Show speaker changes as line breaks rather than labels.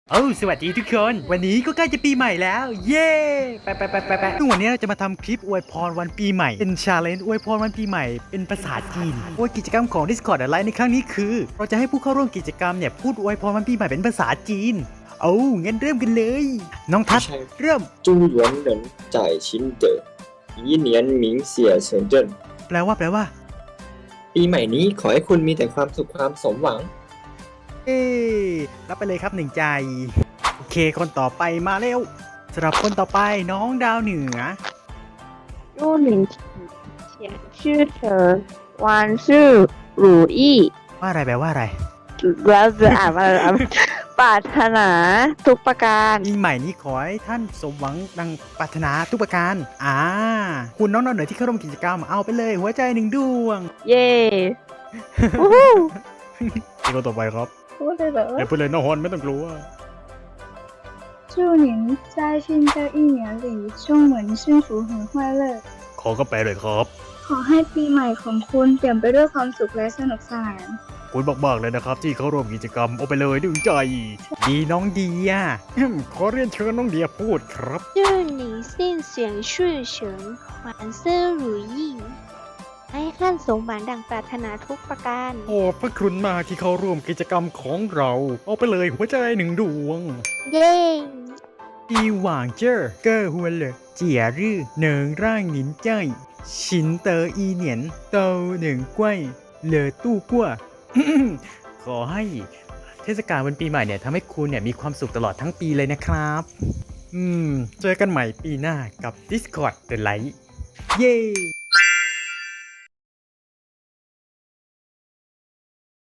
สวัสดีทุกคนวันนี้ก็ใกล้จะปีใหม่แล้วเย้ไปซึ่งวันนี้เราจะมาทำคลิปอวยพรวันปีใหม่เป็นชาเลนจ์อวยพรวันปีใหม่เป็นภาษาจีนโดยกิจกรรมของ Discord อะไรในครั้งนี้คือเราจะให้ผู้เข้าร่วมกิจกรรมเนี่ยพูดอวยพรวันปีใหม่เป็นภาษาจีนงั้นเริ่มกันเลยน้องทัศน์เริ่ม
祝元人在勤德一年名เสียเฉินเจิ้น
แปลว่า
ปีใหม่นี้ขอให้คุณมีแต่ความสุขความสมหวัง
รับไปเลยครับหนึ่งใจโอเคคนต่อไปมาเร็วสำหรับคนต่อไปน้องดาวเหนือ
祝你前世成万事如意
ว่าอะไรแปลว่าอะไร
แล้วจะอ่านว่าอะไรปรารถนาทุกประการ
ปีใหม่นี้ขอให้ท่านสมหวังดังปรารถนาทุกประการคุณน้องดาวเหนือที่เข้าร่วมกิจกรรมเอาไปเลยหัวใจหนึ่งดวง
เย่
อีกคนต่อไปครับ
พูดเลยเหรอ
อย่าพูดเลยน้องฮอนไม่ต้องกลัว
祝您在新的一年里充满幸福和快乐
ขอก็แปลเลยครับ
ขอให้ปีใหม่ของคุณเปลี่ยนไปด้วยความสุขและสนุกสนาน
คุณมากๆเลยนะครับที่เข้าร่วมกิจกรรมเอาไปเลยดึงใจดีน้องเดียขอเรียนเชิญน้องเดียพูดครับ
祝你心想事成万事如意ให้ท่านสมหวังดังปรารถนาทุกประการ
ขอบพระคุณมากที่เข้าร่วมกิจกรรมของเราเอาไปเลยหัวใจหนึ่งดวง
เย้
ดีหว่างเจอเกอหัวเลยเจี๋ยรื่อเหนิงร่างหนินใจชินเตออีเหนียนเตาหนึ่งกล้วยเหลือตู้กั้ว ขอให้เทศกาลวันปีใหม่เนี่ยทำให้คุณเนี่ยมีความสุขตลอดทั้งปีเลยนะครับเจอกันใหม่ปีหน้ากับ Discord The Light เย้